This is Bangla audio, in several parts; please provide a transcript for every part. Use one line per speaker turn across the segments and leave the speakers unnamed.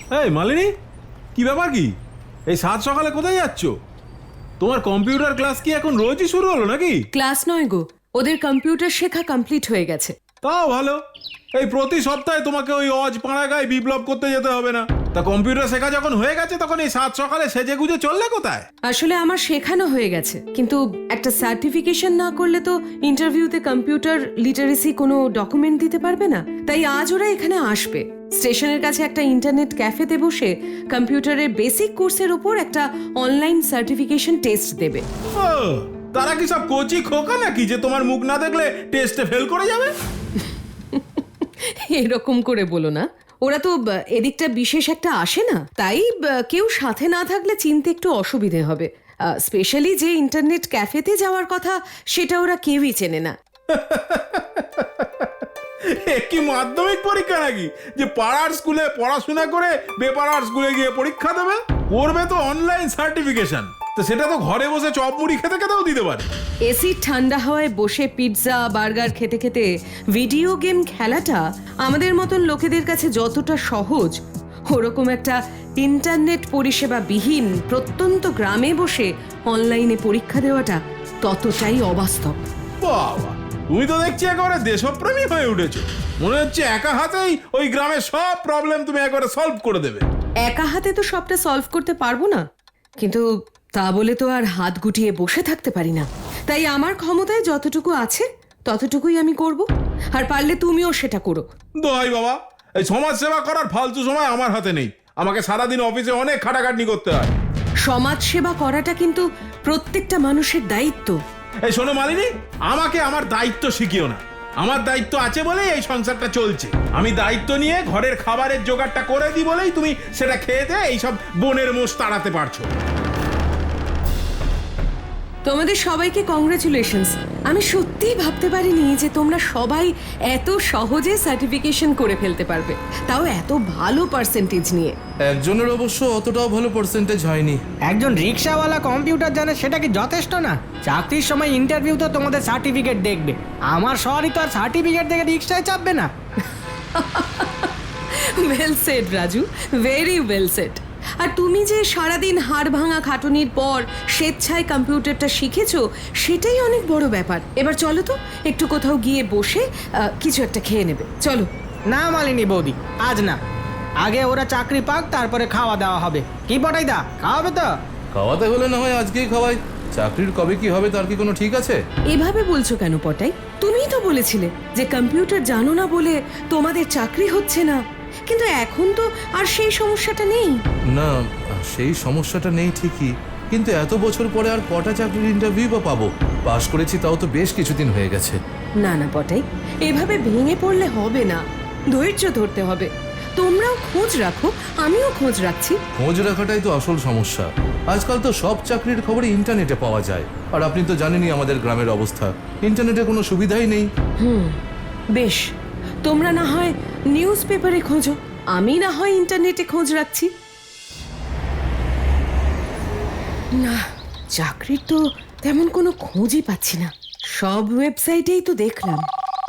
এই মালিনী, কি ব্যাপার কি? এই সাত সকালে কোথায় যাচ্ছ? তোমার কম্পিউটার ক্লাস কি এখন রোজই শুরু হলো নাকি?
ক্লাস নয় গো, ওদের কম্পিউটার শেখা কমপ্লিট হয়ে গেছে।
তাও ভালো। এই প্রতি সপ্তাহে তোমাকে ওই অজ পাড়াগায় বিপ্লব করতে যেতে হবে না। তা কম্পিউটার শেখা যখন হয়ে গেছে তখন এই সাত সকালে সেজে গুজে চললে কোথায়?
আসলে আমার শেখানো হয়ে গেছে, কিন্তু একটা সার্টিফিকেশন না করলে তো ইন্টারভিউতে কম্পিউটার লিটারেসি কোনো ডকুমেন্ট দিতে পারবে না। তাই আজ ওরা এখানে আসবে। স্টেশনের কাছে একটা ইন্টারনেট ক্যাফেতে বসে কম্পিউটারের বেসিক কোর্সের উপর একটা অনলাইন সার্টিফিকেশন টেস্ট দেবে।
ও, তারা কি সব কোচি খোকা নাকি যে তোমার মুখ না দেখলে টেস্টে ফেল করে যাবে?
এরকম করে বলো না, ওরা তো এদিকটা বিশেষ একটা আসে না, তাই কেউ সাথে না থাকলে চিনতে একটু অসুবিধে হবে। স্পেশালি যে ইন্টারনেট ক্যাফেতে যাওয়ার কথা সেটা ওরা কেউই চেনে না।
কি মাধ্যমিক পরীক্ষা নাকি যে পাড়ার স্কুলে পড়াশোনা করে বেপাড়ার স্কুলে গিয়ে পরীক্ষা দেবে? করবে তো অনলাইন সার্টিফিকেশন, তো সেটা তো ঘরে বসে চপ মুড়ি খেতে খেতেও দিতে পারে।
এসি ঠান্ডা হাওয়ায় বসে পিৎজা বার্গার খেতে খেতে ভিডিও গেম খেলাটা আমাদের মতন লোকেদের কাছে যতটা সহজ, ওরকম একটা ইন্টারনেট পরিষেবা বিহীন প্রত্যন্ত গ্রামে বসে অনলাইনে পরীক্ষা দেওয়াটা ততটাই অবাস্তব।
বাবা, তুমি তো দেখছি একেবারে দেশপ্রেমী হয়ে উঠেছো। মনে হচ্ছে একা হাতেই ওই গ্রামের সব প্রবলেম তুমি একবারে সলভ করে দেবে।
একা হাতে তো সবটা সলভ করতে পারবো না, কিন্তু তা বলে তো আর হাত গুটিয়ে বসে থাকতে পারি না। তাই আমার ক্ষমতায় যতটুকু আছে ততটুকুই আমি করব, আর পারলে তুমিও সেটা করো।
দোহাই বাবা, এই সমাজ সেবা করার ফালতু সময় আমার হাতে নেই। আমাকে সারাদিন অফিসে অনেক খাটাখাটনি করতে হয়।
সমাজ সেবা করাটা কিন্তু প্রত্যেকটা মানুষের দায়িত্ব।
এই শোনো মালিনী, আমাকে আমার দায়িত্ব শিখিও না। আমার দায়িত্ব আছে বলেই এই সংসারটা চলছে। আমি দায়িত্ব নিয়ে ঘরের খাবারের জোগাড়টা করে দিই বলেই তুমি সেটা খেয়ে দিয়ে এইসব বনের মোষ তাড়াতে পারছো।
তোমাদের সবাইকে কংগ্রেচুলেশনস। আমি সত্যিই ভাবতে পারিনি যে তোমরা সবাই এত সহজে সার্টিফিকেশন করে ফেলতে পারবে, তাও এত ভালো পার্সেন্টেজ নিয়ে।
একজনের অবশ্য অতটাও ভালো পার্সেন্টেজ হয়নি।
একজন রিক্সাওয়ালা কম্পিউটার জানে সেটা কি যথেষ্ট না? চাকরির সময় ইন্টারভিউতে তোমাদের সার্টিফিকেট দেখবে। আমার শহরই তো আর সার্টিফিকেট দেখে রিক্সায় চাপবে না।
Well said Raju, very well said. আর তুমি যে সারাদিন হাড় ভাঙা খাটুনির পর স্বেচ্ছায় কম্পিউটারটা শিখেছো, সেটাই অনেক বড় ব্যাপার। এবার চলো তো একটু কোথাও গিয়ে বসে কিছু একটা খেয়ে নেবে, চলো।
না মালিনী বৌদি, আজ না। আগে ওরা চাকরি পাক, তারপরে খাওয়া দাওয়া হবে। কি পটাই দা, খাওয়াবে তো?
খাওয়াতে হলে না হয় আজকেই খাওয়াই। চাকরির কবে কি হবে তার কি কোনো ঠিক আছে?
এভাবে বলছো কেন পটাই? তুমিই তো বলেছিলে যে কম্পিউটার জানো না বলে তোমাদের চাকরি হচ্ছে না, কিন্তু এখন তো আর সেই সমস্যাটা নেই।
না, সেই সমস্যাটা নেই ঠিকই, কিন্তু এত বছর পরে আর কটা চাকরির ইন্টারভিউ বা পাবো? পাশ করেছি তাও তো বেশ কিছুদিন হয়ে গেছে।
না না পটাই, এভাবে ভেঙে পড়লে হবে না, ধৈর্য ধরতে হবে। তোমরাও খোঁজ রাখো, আমিও খোঁজ রাখছি।
খোঁজ রাখাটাই তো আসল সমস্যা। আজকাল তো সব চাকরির খবর ইন্টারনেটে পাওয়া যায়, আর আপনি তো জানেনই আমাদের গ্রামের অবস্থা। ইন্টারনেটে কোনো সুবিধাই নেই।
বেশ, তোমরা না হয় নিউজ পেপারে খোঁজো, আমি না হয় ইন্টারনেটে খোঁজ রাখছি। না, চাকরির তো তেমন কোনো খোঁজই পাচ্ছি না। সব ওয়েবসাইটেই তো দেখলাম।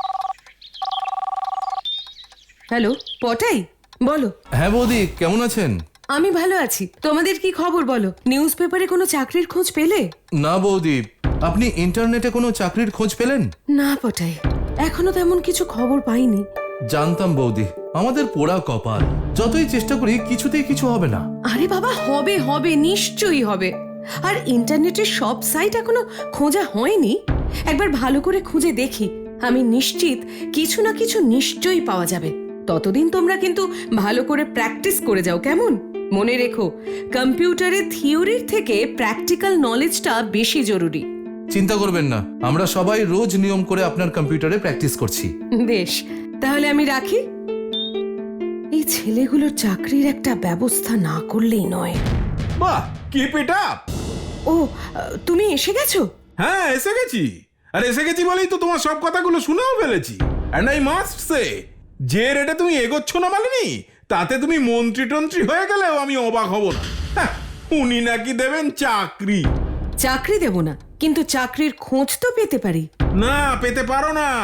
হ্যালো পটাই, বলো।
হ্যাঁ বৌদি, কেমন আছেন?
আমি ভালো আছি, তোমাদের কি খবর বলো? নিউজ পেপারে কোনো চাকরির খোঁজ পেলে?
না বৌদি, আপনি ইন্টারনেটে কোনো চাকরির খোঁজ পেলেন?
না পটাই, এখনো তেমন কিছু খবর পাইনি।
জানতাম বৌদি, আমাদের পোড়া কপাল। যতই চেষ্টা করি কিছুতেই কিছু হবে না।
আরে বাবা, হবে হবে, নিশ্চয়ই হবে। আর ইন্টারনেটের সব সাইট এখনো খোঁজা হয়নি। একবার ভালো করে খুঁজে দেখি, আমি নিশ্চিত কিছু না কিছু নিশ্চয়ই পাওয়া যাবে। ততদিন তোমরা কিন্তু ভালো করে প্র্যাকটিস করে যাও, কেমন? মনে রেখো, কম্পিউটারে থিওরির থেকে প্র্যাকটিক্যাল নলেজটা বেশি জরুরি।
চিন্তা করবেন না, আমরা সবাই রোজ নিয়ম করে আপনার কম্পিউটারে প্র্যাকটিস করছি।
বেশ, তাহলে আমি রাখি। এই ছেলেগুলোর চাকরির একটা ব্যবস্থা না করলেই নয়।
বাহ, কিপ ইট আপ।
ও, তুমি এসে গেছো?
হ্যাঁ, এসে গেছি। আর এসে গেছি বলেই তো তোমার সব কথাগুলো শুনেও ফেলেছি। এন্ড আই মাস্ট সে, যে রেটে তুমি এগোচ্ছ না মালিনী, তাতে তুমি মন্ত্রী টন্ত্রী হয়ে গেলেও আমি অবাক হব না। হ্যাঁ, উনি নাকি দেবেন চাকরি।
চাকরি দেব না, কিন্তু চাকরির খোঁজ তো পেতে পারি।
না, পেতে পারো না।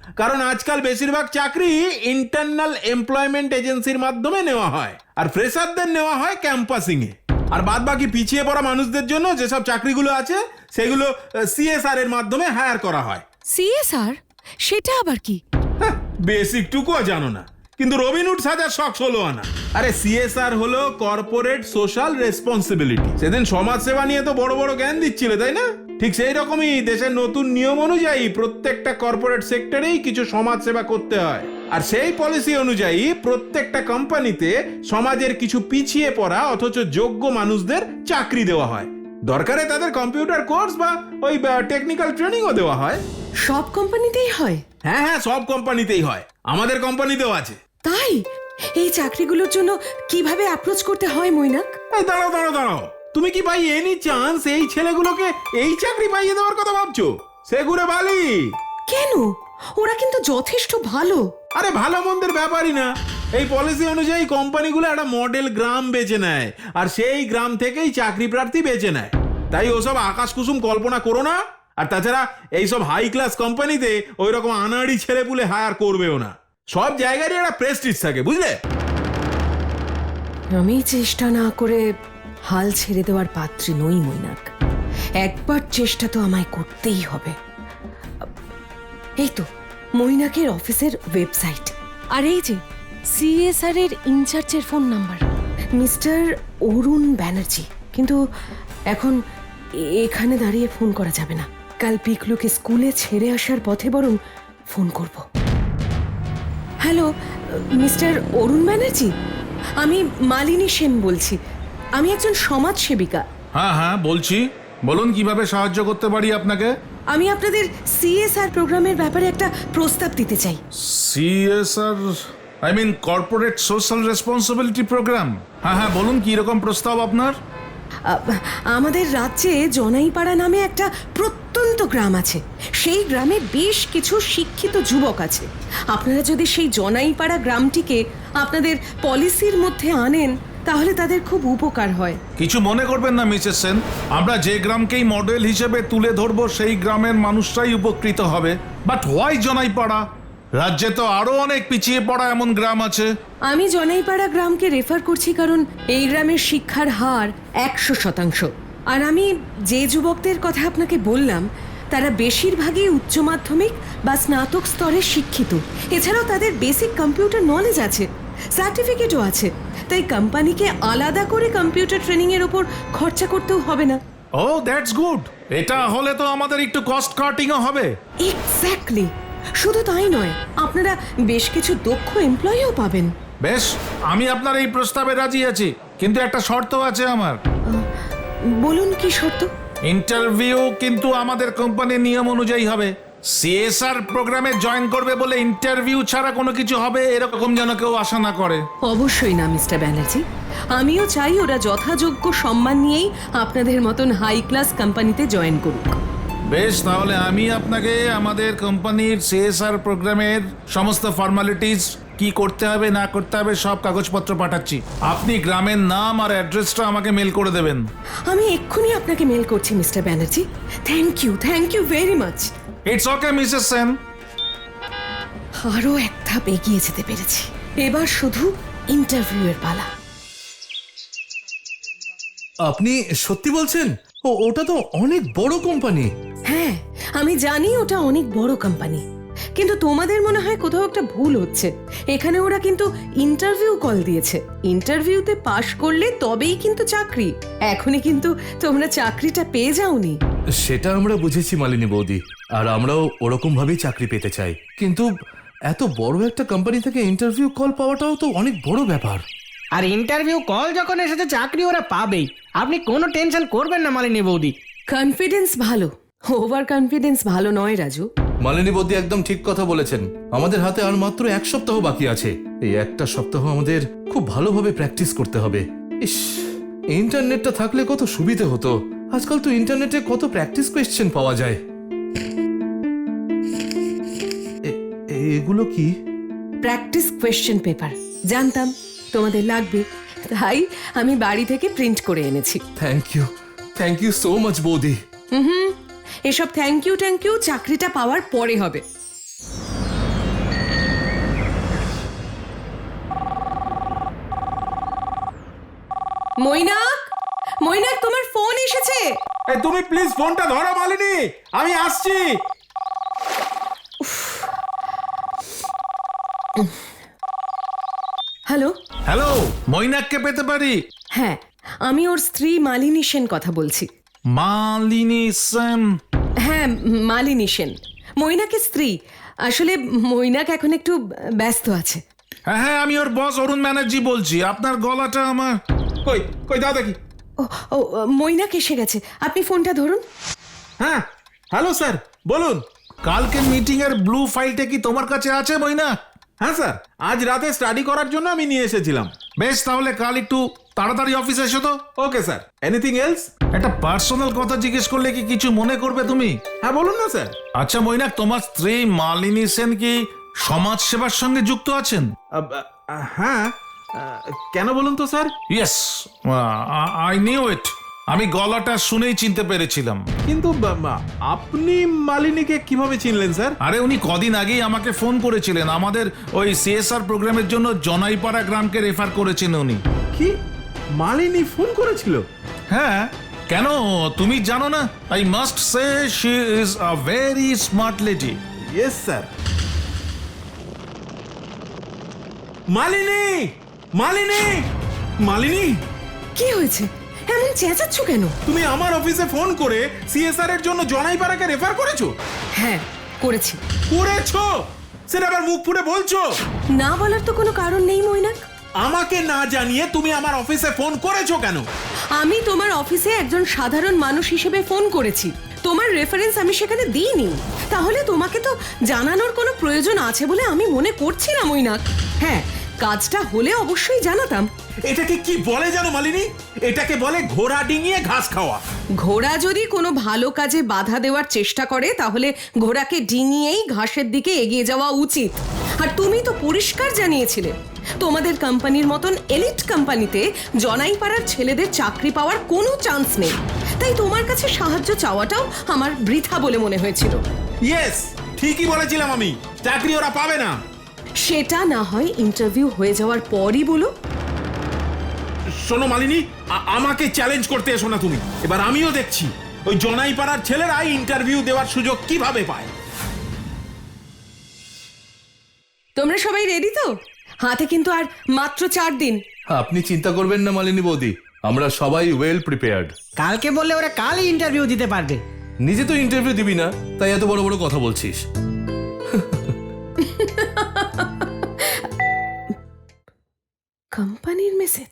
কারণ আজকাল বেশিরভাগ চাকরি ইন্টারনাল এমপ্লয়মেন্ট এজেন্সির মাধ্যমে নেওয়া হয়, আর ফ্রেশারদের নেওয়া হয় ক্যাম্পাসিং এ। আর বাদ বাকি পিছিয়ে পড়া মানুষদের জন্য যেসব চাকরিগুলো আছে সেগুলো সিএসআর এর মাধ্যমে হায়ার করা হয়।
সিএসআর সেটা আবার কি?
বেসিক টুকুও জানো না, কিন্তু রবিনহুড সাজার শখ হলো আনা। আরে সিএসআর হলো কর্পোরেট সোশ্যাল রেসপন্সিবিলিটি। সেদিন সমাজ সেবা নিয়ে তো বড় বড় জ্ঞান দিচ্ছিলে, তাই না? ঠিক সেই রকমই দেশের নতুন নিয়ম অনুযায়ী প্রত্যেকটা কর্পোরেট সেক্টরেই কিছু সমাজ সেবা করতে হয়, আর সেই পলিসি অনুযায়ী প্রত্যেকটা কোম্পানিতে সমাজের কিছু পিছিয়ে পড়া অথচ যোগ্য মানুষদের চাকরি দেওয়া হয়। দরকারে তাদের কম্পিউটার কোর্স বা ওই টেকনিক্যাল ট্রেনিংও দেওয়া হয়।
সব কোম্পানিতেই হয়?
হ্যাঁ হ্যাঁ, সব কোম্পানিতেই হয়, আমাদের কোম্পানিতেও আছে।
তাই এই চাকরিগুলোর জন্য কিভাবে অ্যাপ্রোচ করতে হয় মৈনাক?
এই দাঁড়াও দাঁড়াও দাঁড়াও, তুমি কি ভাই এনি চান্স এই ছেলেগুলোকে এই চাকরি পাইয়ে দেওয়ার কথা ভাবছো? সে ঘুরে বালি।
কেন? ওরা কিন্তু যথেষ্ট ভালো।
আরে ভালো মন্দের ব্যাপারই না, এই পলিসি অনুযায়ী কোম্পানিগুলো একটা মডেল গ্রাম বেছে নেয়, আর সেই গ্রাম থেকেই চাকরি প্রার্থী বেছে নেয়। তাই ওসব আকাশ কুসুম কল্পনা করো না। আর তাছাড়া এইসব হাই ক্লাস কোম্পানিতে ওই রকম আনাড়ি ছেলেপুলে হায়ার করবেও না। সব জায়গারই একটা প্রেস্টিজ থাকে, বুঝলে?
আমি চেষ্টা না করে হাল ছেড়ে দেওয়ার পাত্রী নই মৈনাক। একবার চেষ্টা তো আমায় করতেই হবে। এই তো মৈনাকের অফিসের ওয়েবসাইট, আর এই যে সিএসআর এর ইনচার্জের phone number, Mister Arun Banerjee. কিন্তু এখন এখানে দাঁড়িয়ে ফোন করা যাবে না, কাল পিকলুকে স্কুলে ছেড়ে আসার পথে বরং ফোন করব। হ্যালো মিস্টার অরুণ ব্যানার্জি, আমি মালিনী সেন বলছি। আমি একজন সমাজসেবিকা।
হ্যাঁ হ্যাঁ বলছি, বলুন কিভাবে সাহায্য করতে পারি আপনাকে।
আমি আপনাদের সিএসআর প্রোগ্রামের ব্যাপারে একটা প্রস্তাব দিতে চাই।
CSR I mean corporate social responsibility programme. হ্যাঁ হ্যাঁ বলুন কি রকম প্রস্তাব আপনার।
আমাদের রাজ্যে জনাইপাড়া নামে একটা প্রত্যন্ত গ্রাম আছে। সেই গ্রামে বেশ কিছু শিক্ষিত যুবক আছে। আপনারা যদি সেই জনাইপাড়া গ্রামটিকে আপনাদের পলিসির মধ্যে আনেন তাহলে তাদের খুব উপকার হয়।
কিছু মনে করবেন না মিসেস সেন, আমরা যে গ্রামকেই মডেল হিসেবে তুলে ধরবো সেই গ্রামের মানুষরাই উপকৃত হবে। But why Janaipara? রাজ্যে তো আরো অনেক পিছিয়ে পড়া এমন গ্রাম আছে।
আমি জনাইপাড়া গ্রামকে রেফার করছি কারণ এই গ্রামের শিক্ষার হার 100%। আর আমি যে যুবকদের কথা আপনাকে বললাম তারা বেশিরভাগই উচ্চ মাধ্যমিক বা স্নাতক স্তরে শিক্ষিত। এছাড়াও তাদের বেসিক কম্পিউটার নলেজ আছে, সার্টিফিকেটও আছে। তাই কোম্পানিকে আলাদা করে কম্পিউটার ট্রেনিং এর উপর খরচা করতেও হবে না।
Oh that's good. এটা হলে তো আমাদের একটু কস্ট কাটিংও হবে।
এক্স্যাক্টলি। শুধু তাই নয়, আপনারা বেশ কিছু দক্ষ এমপ্লয়িও পাবেন।
বেশ, আমি আপনার এই প্রস্তাবে রাজি আছি, কিন্তু একটা শর্ত আছে আমার।
বলুন কি শর্ত?
ইন্টারভিউ কিন্তু আমাদের কোম্পানির নিয়ম অনুযায়ী হবে। সিএসআর প্রোগ্রামে জয়েন করবে বলে ইন্টারভিউ ছাড়া কোনো কিছু হবে এরকম যেন কেউ আশা না করে।
অবশ্যই না মিস্টার ব্যানার্জি, আমিও চাই ওরা যথাযোগ্য সম্মান নিয়েই আপনাদের মতন হাই ক্লাস কোম্পানিতে জয়েন করুক।
বেশ, তাহলে আমি আপনাকে আমাদের কোম্পানির সিএসআর প্রোগ্রামের সমস্ত ফর্মালিটিস কি করতে হবে না করতে হবে সব কাগজপত্র পাঠাচ্ছি। আপনি গ্রামের নাম আর অ্যাড্রেসটা আমাকে মেল করে দেবেন।
আমি এক্ষুনি আপনাকে মেল করছি Mister Banerjee. Thank you very much.
It's okay Mrs Sen.
আরও এক ধাপ এগিয়ে যেতে পেরেছি। এবার শুধু ইন্টারভিউয়ের পালা।
আপনি সত্যি বলছেন? ওটা তো অনেক বড় কোম্পানি।
হ্যাঁ আমি জানি ওটা অনেক বড় কোম্পানি, কিন্তু তোমাদের মনে হয় কোথাও একটা ভুল হচ্ছে। এখানে ওরা কিন্তু ইন্টারভিউ কল দিয়েছে। ইন্টারভিউতে পাশ করলে তবেই কিন্তু চাকরি। এখনই কিন্তু তোমরা চাকরিটা পেয়ে যাওনি।
সেটা আমরা বুঝেছি মালিনী বৌদি, আর আমরাও ওরকম ভাবেই চাকরি পেতে চাই। কিন্তু এত বড় একটা কোম্পানি থেকে ইন্টারভিউ কল পাওয়াটাও তো অনেক বড় ব্যাপার।
আর ইন্টারভিউ কল যখন এসেছে চাকরি ওরা পাবেই, আপনি কোনো টেনশন করবেন না মালিনী বৌদি।
কনফিডেন্স ভালো, ওভার কনফিডেন্স ভালো নয় রাজু।
মালিনী বৌদি একদম ঠিক কথা বলেছেন। আমাদের হাতে আর মাত্র 1 সপ্তাহ বাকি আছে। এই একটা সপ্তাহ আমাদের খুব ভালোভাবে প্র্যাকটিস করতে হবে। ইস, ইন্টারনেটটা থাকলে কত সুবিধে হতো। আজকাল তো ইন্টারনেটে কত প্র্যাকটিস কোয়েশ্চেন পাওয়া যায়। এগুলো কি?
Practice question paper. জানতাম তোমাদের লাগবে, তাই আমি বাড়ি থেকে প্রিন্ট করে এনেছি।
থ্যাংক ইউ সো মাচ বৌদি।
এসব থ্যাংক ইউ চাকরিটা পাওয়ার পরে হবে। মৈনাক, মৈনাক, তোমার ফোন এসেছে।
এই তুমি প্লিজ ফোনটা ধরো মালিনী, আমি আসছি।
হ্যালো।
হ্যালো, মৈনাককে পেতে পারি?
হ্যাঁ, আমি ওর স্ত্রী মালিনী সেন কথা বলছি।
মালিনী সেন?
হ্যাঁ, মালিনী সেন, মৈনাকের স্ত্রী। আসলে মৈনাক এখন একটু ব্যস্ত আছে।
হ্যাঁ হ্যাঁ, আমি ওর বস অরুণ ব্যানার্জি বলছি। আপনার গলাটা আমার...
কই কই দাও দেখি।
ও ও, মৈনাক এসে গেছে, আপনি ফোনটা ধরুন।
হ্যাঁ, হ্যালো স্যার, বলুন।
কালকে মিটিং এর ব্লু ফাইলটা কি তোমার কাছে আছে মৈনাক?
হ্যাঁ স্যার, আজ রাতে স্টাডি করার জন্য আমি নিয়ে এসেছিলাম।
বেশ, তাহলে কাল একটু তাড়াতাড়ি অফিসে এসো তো।
Okay sir, anything else?
একটা পার্সোনাল কথা জিজ্ঞেস করলে কি কিছু মনে করবে তুমি?
হ্যাঁ বলুন না স্যার।
আচ্ছা মৈনাক, তোমার স্ত্রী মালিনী সেন কি সমাজ সেবার সঙ্গে যুক্ত আছেন?
হ্যাঁ, কেন বলুন তো sir?
Yes, I knew it. আমি গলাটা শুনেই চিনতে পেরেছিলাম।
কিন্তু আপনি মালিনীকে কিভাবে চিনলেন স্যার?
আরে উনি কদিন আগেই আমাকে ফোন করেছিলেন। আমাদের ওই সিএসআর প্রোগ্রামের জন্য জনাইপাড়া গ্রামকে রেফার করেছেন উনি।
কি, মালিনী ফোন করেছিল?
হ্যাঁ, কেন তুমি জানো না? I must say she is a very smart lady.
Yes sir. Malini, Malini, Malini,
কি হয়েছে, এমন চেঁচাচ্ছ কেন?
তুমি আমার অফিসে ফোন করে সিএসআর এর জন্য জনাইপাড়াকে রেফার করেছো?
হ্যাঁ, করেছি।
করেছো? সেটা আবার মুখ ফুটে বলছো?
না বলার তো কোনো কারণ নেই মৈনাক।
আমাকে না জানিয়ে তুমি আমার অফিসে ফোন করেছো কেন?
আমি তোমার অফিসে একজন সাধারণ মানুষ হিসেবে ফোন করেছি, তোমার রেফারেন্স আমি সেখানে দিইনি। তাহলে তোমাকে তো জানানোর কোনো প্রয়োজন আছে বলে আমি মনে করছি না মৈনাক। হ্যাঁ, কাজটা হলে অবশ্যই জানাতাম।
এটাকে কি বলে জানো মালিনী? এটাকে বলে ঘোড়া ডিঙিয়ে ঘাস খাওয়া।
ঘোড়া যদি কোনো ভালো কাজে বাধা দেওয়ার চেষ্টা করে তাহলে ঘোড়াকে ডিঙিয়েই ঘাসের দিকে এগিয়ে যাওয়া উচিত। আর তুমি তো পরিষ্কার জানিয়েছিলে তোমাদের কোম্পানির মতন এলিট কোম্পানিতে জনাইপাড়ার ছেলেদের চাকরি পাওয়ার কোনো চান্স নেই। তাই তোমার কাছে সাহায্য চাওয়াটাও আমার বৃথা বলে মনে হয়েছিল।
ইয়েস, ঠিকই বলেছিলাম আমি, চাকরি ওরা পাবে না।
সেটা না হয় ইন্টারভিউ হয়ে যাওয়ার পরই বলো।
শোনো মালিনী, আমাকে চ্যালেঞ্জ করতে এসো না তুমি। এবার আমিও দেখছি ওই জনাইপাড়ার ছেলেরা ইন্টারভিউ দেওয়ার সুযোগ কিভাবে পায়।
তোমরা সবাই রেডি তো? হাতে কিন্তু আর মাত্র 4 দিন।
আপনি চিন্তা করবেন না মালিনী বৌদি, আমরা সবাই ওয়েল প্রিপেয়ার্ড।
কালকে বললে ওরা কালই ইন্টারভিউ দিতে পারবে।
নিজে তো ইন্টারভিউ দিবি না, তাই এত বড় বড় কথা বলছিস।
কোম্পানির মেসেজ?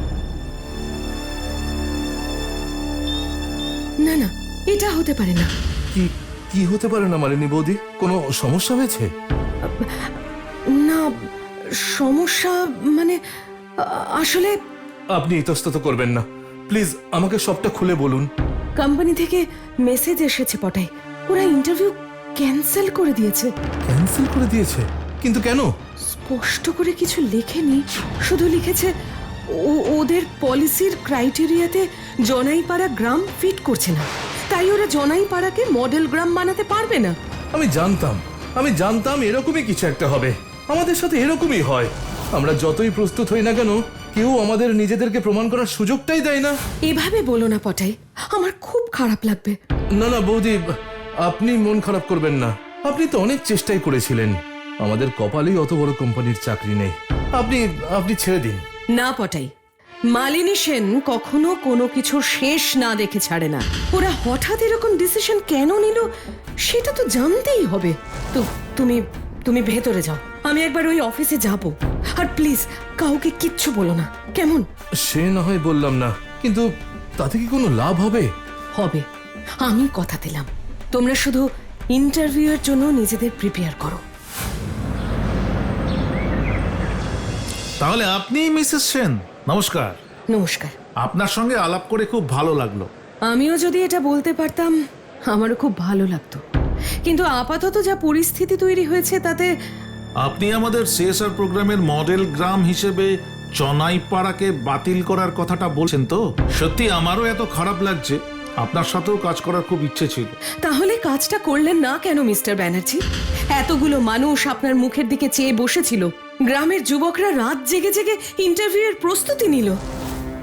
না না, এটা হতে পারে না।
কি কি হতে পারে না মালিনী বৌদি? কোনো সমস্যা হয়েছে?
না, সমস্যা মানে আসলে
আপনি ইতস্তত করবেন না, প্লিজ আমাকে সবটা খুলে বলুন।
কোম্পানি থেকে মেসেজ এসেছে পটাই, ওরা ইন্টারভিউ ক্যান্সেল করে দিয়েছে।
ক্যান্সেল করে দিয়েছে? কিন্তু কেন?
স্পষ্ট করে কিছু লেখেনি, শুধু লিখেছে ওদের পলিসির ক্রাইটেরিয়াতে জনাইপাড়া গ্রাম ফিট করছে না, তাই ওরা জনাইপাড়াকে মডেল গ্রাম বানাতে পারবে না।
আমি জানতাম এরকমই কিছু একটা হবে। আমাদের সাথে এরকমই হয়, আমরা যতই প্রস্তুত হই না কেন কেউ আমাদের নিজেদেরকে প্রমাণ করার সুযোগটাই দেয় না।
এভাবে বলো না পটাই, আমার খুব খারাপ লাগবে।
না না বৌদি, আপনি মন খারাপ করবেন না। আপনি তো অনেক চেষ্টাই করেছিলেন, আমাদের কপালেই অত বড় কোম্পানির চাকরি নেই। আপনি ছেড়ে দিন
না পটাই, মালিনী সেন কখনো কোনো কিছু শেষ না দেখে ছাড়ে না। ওরা হঠাৎ এরকম ডিসিশন কেন নিল সেটা তো জানতেই হবে। তো তুমি ভেতরে যাও, আমি একবার ওই অফিসে যাব। আর প্লিজ কাউকে কিচ্ছু বলো না, কেমন?
সে না হয় বললাম না, কিন্তু তাতে কি কোনো লাভ হবে?
হবে, আমি কথা দিলাম। তোমরা শুধু ইন্টারভিউ এর জন্য নিজেদের প্রিপেয়ার করো।
তাহলে আপনি মিসেস সেন, নমস্কার।
নমস্কার।
আপনার সঙ্গে আলাপ করে খুব ভালো লাগলো।
আমিও যদি এটা বলতে পারতাম আমারও খুব ভালো লাগতো, কিন্তু আপাতত যা পরিস্থিতি তৈরি হয়েছে তাতে।
আপনি আমাদের সিএসআর প্রোগ্রামের মডেল গ্রাম হিসেবে জনাইপাড়াকে বাতিল করার কথাটা বলছেন তো? সত্যি আমারও এত খারাপ লাগছে। আপনার সাথেও কাজ করার খুব ইচ্ছে ছিল।
তাহলে কাজটা করলেন না কেন মিস্টার ব্যানার্জি? এতগুলো মানুষ আপনার মুখের দিকে চেয়ে বসেছিল, গ্রামের যুবকরা রাত জেগে জেগে ইন্টারভিউ এর প্রস্তুতি নিল।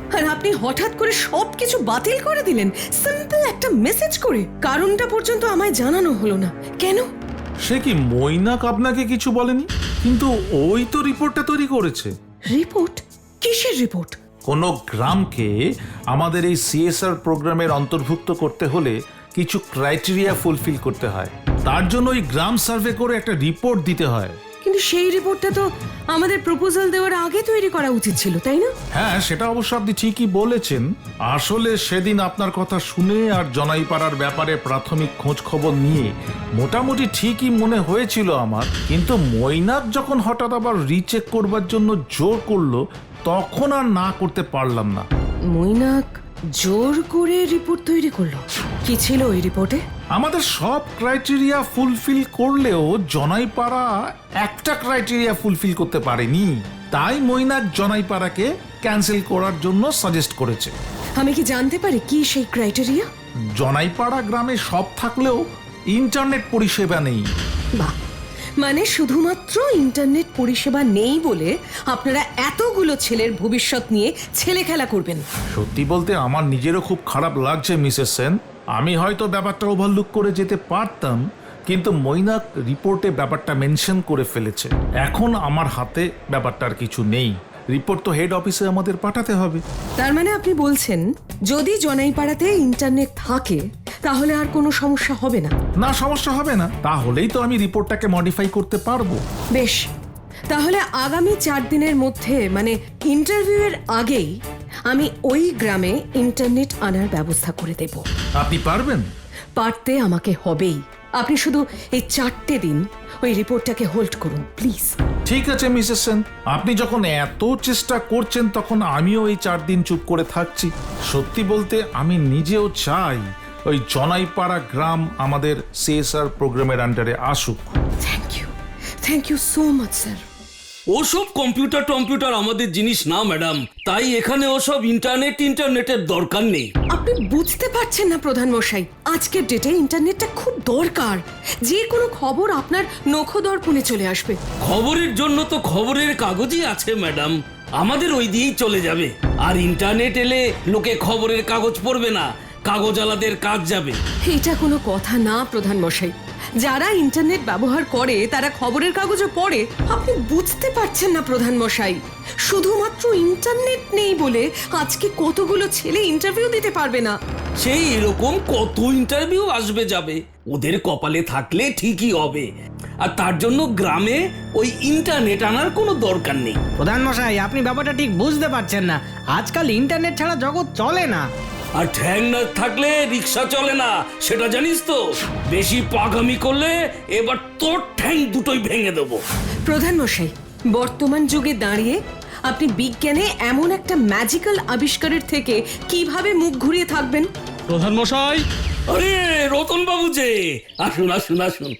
আর আপনি হঠাৎ করে সবকিছু বাতিল করে দিলেন সিম্পল একটা মেসেজ করে। কারণটা পর্যন্ত আমায় জানানো হলো না কেন?
সে কি মৈনাক আপনাকে কিছু বলেনি? কিন্তু ওই তো রিপোর্টটা তৈরি করেছে।
রিপোর্ট? কিসের রিপোর্ট?
কোনো গ্রামকে আমাদের এই সিএসআর প্রোগ্রামের অন্তর্ভুক্ত করতে হলে কিছু ক্রাইটেরিয়া ফুলফিল করতে হয়। তার জন্য ওই গ্রাম সার্ভে করে একটা রিপোর্ট দিতে হয়।
কিন্তু সেই রিপোর্টটা তো আমাদের প্রপোজাল দেওয়ার আগে তৈরি করা উচিত ছিল, তাই না?
হ্যাঁ, সেটা অবশ্য আপনি ঠিকই বলেছেন। আসলে সেদিন আপনার কথা শুনে আর জনাইপাড়ার ব্যাপারে প্রাথমিক খোঁজ খবর নিয়ে মোটামুটি ঠিকই মনে হয়েছিল আমার। কিন্তু মৈনাক যখন হঠাৎ আবার রিচেক করবার জন্য জোর করলো, তখন আর না করতে পারলাম না।
মৈনাক জোর করে রিপোর্ট তৈরি করলো? কি ছিল ওই রিপোর্টে?
আমাদের সব ক্রাইটেরিয়া ফুলফিল করলেও জনাইপাড়া একটা ক্রাইটেরিয়া ফুলফিল করতে পারেনি। তাই মৈনাক জনাইপাড়াকে ক্যান্সেল করার জন্য সাজেস্ট করেছে।
আমি কি জানতে পারি কি সেই ক্রাইটেরিয়া?
জনাইপাড়া গ্রামে সব থাকলেও ইন্টারনেট পরিষেবা নেই।
বাহ, মানে শুধুমাত্র ইন্টারনেট পরিষেবা নেই বলে আপনারা এতগুলো ছেলের ভবিষ্যৎ নিয়ে ছেলে খেলা করবেন?
সত্যি বলতে আমার নিজেরও খুব খারাপ লাগছে মিসেস সেন। আমি হয়তো ব্যাপারটা ওভারলুক করে যেতে পারতাম, কিন্তু মৈনাক রিপোর্টে ব্যাপারটা মেনশন করে ফেলেছে। এখন আমার হাতে ব্যাপারটার কিছু নেই। রিপোর্ট তো হেড অফিসে আমাদের পাঠাতে হবে।
তার মানে আপনি বলছেন যদি জনাইপাড়াতে ইন্টারনেট থাকে তাহলে আর কোনো সমস্যা হবে না?
না, সমস্যা হবে না। তাহলেই তো আমি রিপোর্টটাকে মডিফাই করতে পারবো।
বেশ, তাহলে আগামী 4 দিনের মধ্যে মানে ইন্টারভিউয়ের আগেই আমি ওই গ্রামে ইন্টারনেট আনার ব্যবস্থা করে দেব।
আপনি পারবেন?
পারতে আমাকে হবেই। আপনি শুধু এই 4টে দিন ওই রিপোর্টটাকে হোল্ড করুন প্লিজ।
ঠিক আছে মিসেস সেন, আপনি যখন এত চেষ্টা করছেন তখন আমিও এই 4 দিন চুপ করে থাকছি। সত্যি বলতে আমি নিজেও চাই ওই জনাইপাড়া গ্রাম আমাদের সিএসআর প্রোগ্রামের আন্ডারে আসুক।
Thank you so much sir.
ওসব কম্পিউটার আমাদের জিনিস না ম্যাডাম, তাই এখানে ওসব ইন্টারনেটের দরকার নেই।
আপনি বুঝতে পারছেন না প্রধান মশাই, আজকের ডেটে ইন্টারনেটটা খুব দরকার। যে কোনো খবর আপনার নখদর্পণে চলে আসবে।
খবরের জন্য তো খবরের কাগজই আছে ম্যাডাম, আমাদের ওই দিয়েই চলে যাবে। আর ইন্টারনেট এলে লোকে খবরের কাগজ পড়বে না, কাগজওয়ালাদের কাজ যাবে।
এটা কোনো কথা না প্রধান মশাই। যারা ইন্টারনেট ব্যবহার করে তারা খবরের কাগজও পড়ে। আপনি বুঝতে পারছেন না প্রধান মশাই, শুধুমাত্র ইন্টারনেট নেই বলে আজকে কতগুলো ছেলে ইন্টারভিউ দিতে পারবে না।
সেই এরকম কত ইন্টারভিউ আসবে যাবে, ওদের কপালে থাকলে ঠিকই হবে। আর তার জন্য গ্রামে ওই ইন্টারনেট আনার কোনো দরকার নেই।
প্রধান মশাই, আপনি ব্যাপারটা ঠিক বুঝতে পারছেন না। আজকাল ইন্টারনেট ছাড়া জগৎ চলে না।
আর ঠ্যাং না থাকলে রিক্সা চলে না, সেটা জানিস তো। বেশি পাগামি করলে এবার তোর ঠ্যাং দুটোই ভেঙে দেবো।
প্রধান মশাই, বর্তমান যুগে দাঁড়িয়ে আপনি বিজ্ঞানে এমন একটা ম্যাজিক্যাল আবিষ্কারের থেকে কিভাবে মুখ ঘুরিয়ে থাকবেন?
প্রধান মশাই,
আরে রতন বাবু যে, আসুন আসুন আসুন।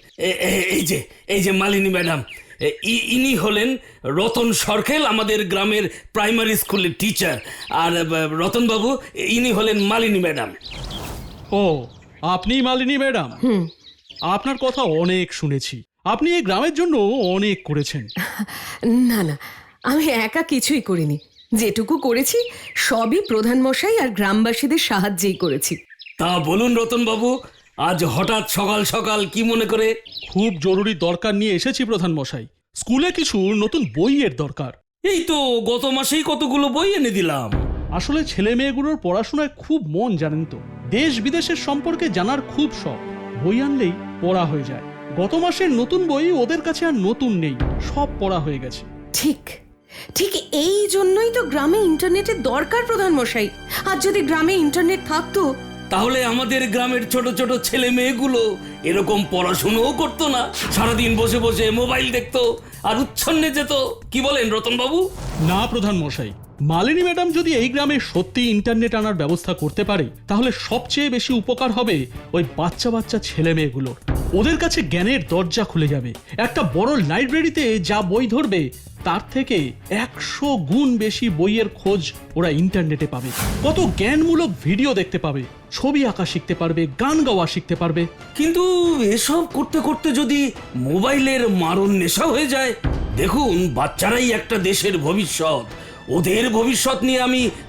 এই যে মালিনী ম্যাডাম, ইনি হলেন রতন সরকেল, আমাদের গ্রামের প্রাইমারি স্কুলের টিচার। আর রতন বাবু, ইনি হলেন মালিনী ম্যাডাম।
ও আপনি মালিনী ম্যাডাম? আপনার কথা অনেক শুনেছি, আপনি এই গ্রামের জন্য অনেক করেছেন।
না না, আমি একা কিছুই করিনি। যেটুকু করেছি সবই প্রধান মশাই আর গ্রামবাসীদের সাহায্যেই করেছি।
তা বলুন রতন বাবু, আজ হঠাৎ সকাল সকাল কি মনে করে?
খুব জরুরি দরকার নিয়ে এসেছি প্রধান মশাই। স্কুলে কিছু নতুন বইয়ের দরকার।
এই তো গত মাসেই কতগুলো বই এনে দিলাম।
আসলে ছেলে মেয়েগুলোর পড়াশোনায় খুব মন, জানেন তো। দেশ বিদেশের সম্পর্কে জানার খুব শখ। বই আনলেই পড়া হয়ে যায়। গত মাসের নতুন বই ওদের কাছে আর নতুন নেই, সব পড়া হয়ে গেছে।
ঠিক ঠিক এই জন্যই তো গ্রামে ইন্টারনেটের দরকার প্রধান মশাই। আর যদি গ্রামে ইন্টারনেট থাকতো
তাহলে আমাদের গ্রামের ছোট ছোট ছেলে মেয়েগুলো এরকম পড়াশুনোও করতো না, সারাদিন বসে বসে মোবাইল দেখতো আর উচ্ছন্নে যেত। কি বলেন রতন বাবু?
না প্রধান মশাই, মালিনী ম্যাডাম যদি এই গ্রামে সত্যি ইন্টারনেট আনার ব্যবস্থা করতে পারে তাহলে সবচেয়ে বেশি উপকার হবে ওই বাচ্চা বাচ্চা ছেলে মেয়েগুলোর। ওদের কাছে জ্ঞানের দরজা খুলে যাবে। একটা বড় লাইব্রেরিতে যা বই ধরবে তার থেকে 100 গুণ বেশি বইয়ের খোঁজ ওরা ইন্টারনেটে পাবে। কত জ্ঞানমূলক ভিডিও দেখতে পাবে, ছবি আঁকা শিখতে পারবে, গান গাওয়া শিখতে পারবে।
কিন্তু এসব করতে করতে যদি মোবাইলের মারণ নেশা হয়ে যায়? দেখুন, বাচ্চারাই একটা দেশের ভবিষ্যৎ। ওদের ভবিষ্যৎ নিয়ে আমি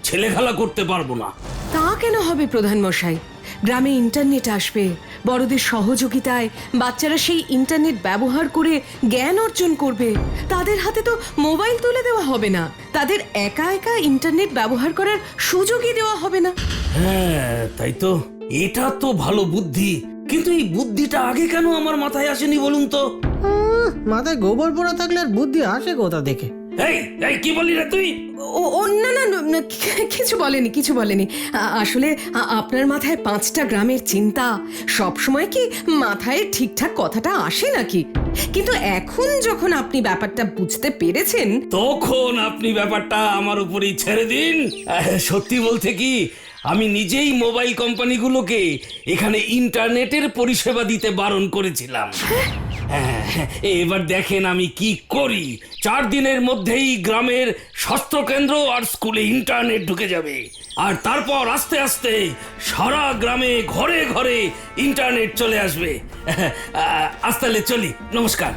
ছেলেখেলা করতে পারবো না।
তা কেন হবে প্রধান মশাই? গ্রামে ইন্টারনেট আসবে, বড়দের সহযোগিতায় বাচ্চারা সেই ইন্টারনেট ব্যবহার করে জ্ঞান অর্জন করবে। তাদের হাতে তো মোবাইল তুলে দেওয়া হবে না, তাদের একা একা ইন্টারনেট ব্যবহার করার সুযোগই দেওয়া হবে না।
হ্যাঁ তাই তো, এটা তো ভালো বুদ্ধি, কিন্তু এই বুদ্ধিটা আগে কেন আমার মাথায় আসেনি বলুন তো?
মাথায় গোবর পোড়া থাকলে আর বুদ্ধি আসে কোথা থেকে?
এই এই কি বলি রে তুই?
ও না না না, কিছু বলেনি, কিছু বলেনি। আসলে আপনার মাথায় 5টা গ্রামের চিন্তা, সব সময় কি মাথায় ঠিকঠাক কথাটা আসে নাকি? কিন্তু এখন যখন আপনি ব্যাপারটা বুঝতে পেরেছেন,
তখন আপনি ব্যাপারটা আমার উপরেই ছেড়ে দিন। সত্যি বলতে কি, আমি নিজেই মোবাইল কোম্পানিগুলোকে এখানে ইন্টারনেটের পরিষেবা দিতে বারণ করেছিলাম। হ্যাঁ, এবার দেখেন আমি কি করি। 4 দিনের মধ্যেই গ্রামের স্বাস্থ্যকেন্দ্র আর স্কুলে ইন্টারনেট ঢুকে যাবে, আর তারপর আস্তে আস্তে সারা গ্রামে ঘরে ঘরে ইন্টারনেট চলে আসবে। আজ তাহলে চলি, নমস্কার।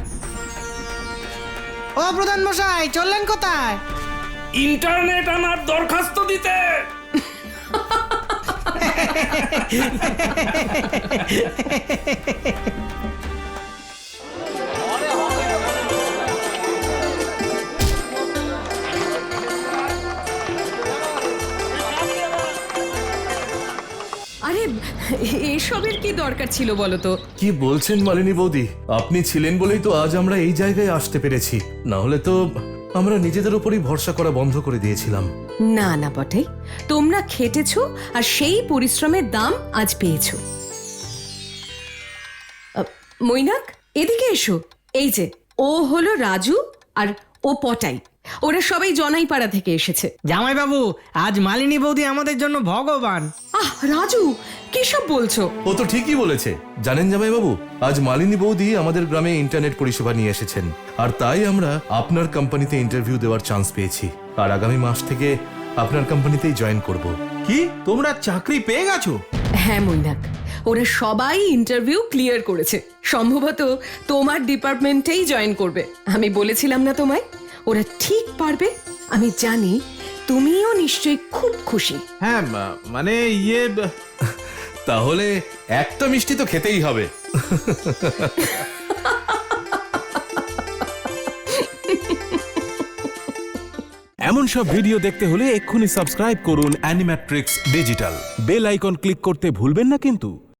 ও প্রধান মশাই, চললেন কোথায়?
ইন্টারনেট আনার দরখাস্ত দিতে।
আরে এসবের কি দরকার ছিল বলো তো?
কি বলছেন মালিনী বৌদি? আপনি ছিলেন বলেই তো আজ আমরা এই জায়গায় আসতে পেরেছি, না হলে তো আমরা নিজেদের উপরই ভরসা করা বন্ধ করে দিয়েছিলাম।
না না বটে, তোমরা খেটেছো আর সেই পরিশ্রমের দাম আজ পেয়েছো। মৈনাক, এদিকে এসো। এই যে ও হলো রাজু আর ও পটাই, ওরা সবাই জনাইপাড়া থেকে এসেছে।
জামাইবাবু, আজ মালিনী বৌদি আমাদের জন্য ভগবান।
আহ রাজু, কি সব বলছো?
ও তো ঠিকই বলেছে। জানেন জামাইবাবু, আজ মালিনী বৌদি আমাদের গ্রামে ইন্টারনেট পরিষেবা নিয়ে এসেছেন, আর তাই আমরা আপনার কোম্পানিতে ইন্টারভিউ দেওয়ার চান্স পেয়েছি, আর আগামী মাস থেকে আপনার কোম্পানিতেই জয়েন করব।
কি, তোমরা চাকরি পেয়ে গেছো?
হ্যাঁ মৈনাক, ওরা সবাই ইন্টারভিউ ক্লিয়ার করেছে, সম্ভবত তোমার ডিপার্টমেন্টেই জয়েন করবে। আমি বলেছিলাম না তোমায়, ওরা ঠিক পারবে। আমি জানি তুমিও নিশ্চয়ই খুব খুশি।
হ্যাঁ, মানে ইয়ে
তাহলে একটা মিষ্টি তো খেতেই হবে।
এমন সব ভিডিও দেখতে হলে এক্ষুনি সাবস্ক্রাইব করুন Animatrix Digital. Bell icon click করতে ভুলবেন না কিন্তু।